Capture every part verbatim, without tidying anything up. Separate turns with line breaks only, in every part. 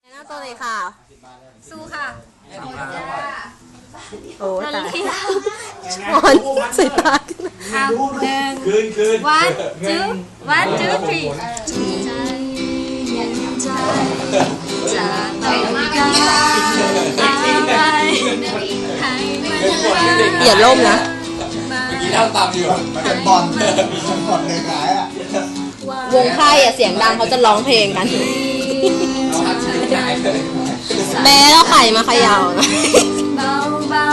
หน้าตัวเลยค่ะ
สู้ค่ะ
โอ้ตายช้อนใส่ปาก
เอาหนึ่ง
คืนคืน
วันจื้อวันจื้อทีจะต้องการอะไรให้มัน
อย่าล่มนะ
กี่เท่าตามอยู่เป็นบอลเป็นบอลเลยขายอ่ะ
วงค่ายอ่ะเสียงดังเขาจะร้องเพลงกัน
เอาหักชิ้นขายเลย
แม่แล้วไข่มาเขย่านะ
เบาเบา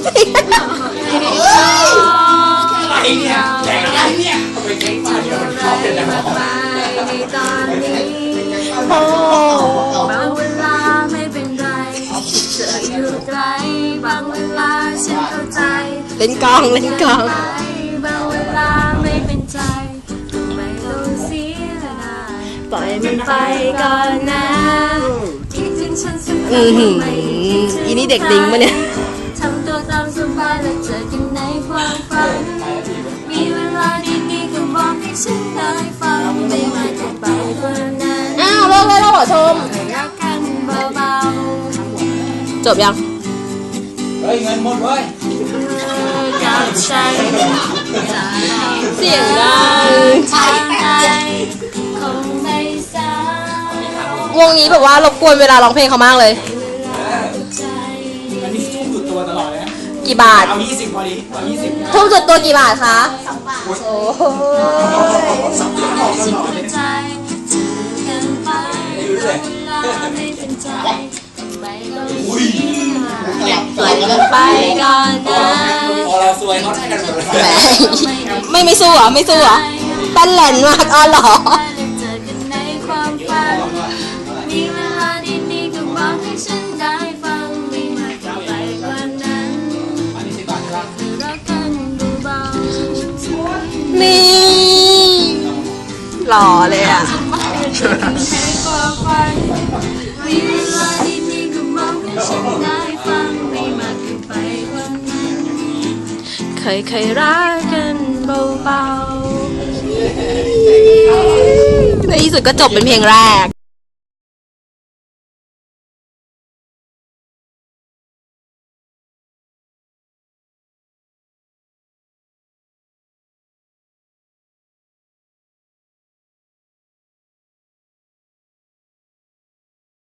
อะไรเนี่ยแข่งอะไรเนี่ยทำไมแข่งมาเดี๋ยวมันชอบเป็นอะไร
ไปในตอนนี้บางเวลาไม่เป็นไรเธออยู่ไกลบางเวลาฉันเข้าใจ
เล่นกองเล่นกอง
บางเวลาไม่เป็นใจไม่ต้องเสียดาย
ปล่อย
มั
มัน น
ไป
ไป
ก่อนนะคิดถึงฉันสักค
อื
รั้
อหือ
ไม่คิดถึง
อีนี่เด็กดิ้งปะเนี่ย
ทำตัวตามสบายและเจอกันในความฝันมีเวลาดีๆก็บอกให้ฉันได้ฟังไม่มากเกินไปกว่านั้น
อ้าวเลิกเลยแล้วเหรอชม
รักกันเบา
จบยัง
เฮ้ยเงินหมดเว้ย
ๆกับฉันจะ
เสียงดัง
ทางใดคงไม่สายว
งนี้แบบว่ารบกวนเวลาร้องเพลงเขามากเลย
ใจ
อันนี้ทุ่มสุดตัวตลอดเลยนะ
กี่บาท
เอายี่สิบพอดีเอายี่สิบ
ทุ่มสุดตัวกี่บาทคะโอ้โห
สับเดียวออกตลอดเลย
ใจเจอกันไปเวลาไม่เป็นใจไม่ต้องเสีย
ปล่อยมันไป
ก่อนนะ
พอเราซวยเขาได้กันหมดเลย
แหมไม่ไม่สู้เหรอไม่สู้เหรอตันแหลนมากอ๋อเหรอ
เจอกันในความฝันมีเวลาดีๆก็บอกให้ฉันได้ฟังไม่มากไปกว่านั้น
อันนี้สิบบาทใช่ปะ
คือรักกันเบาๆ
นี่หล่อเลยอ่ะ
ให้ความฝันมีเวลาดีๆก็บอกให้ฉันได้ฟังไม่มากเกินไปกว่านั้น
เคยเคยรักกันเบาๆในที่สุดก็จบเป็นเพลงแรก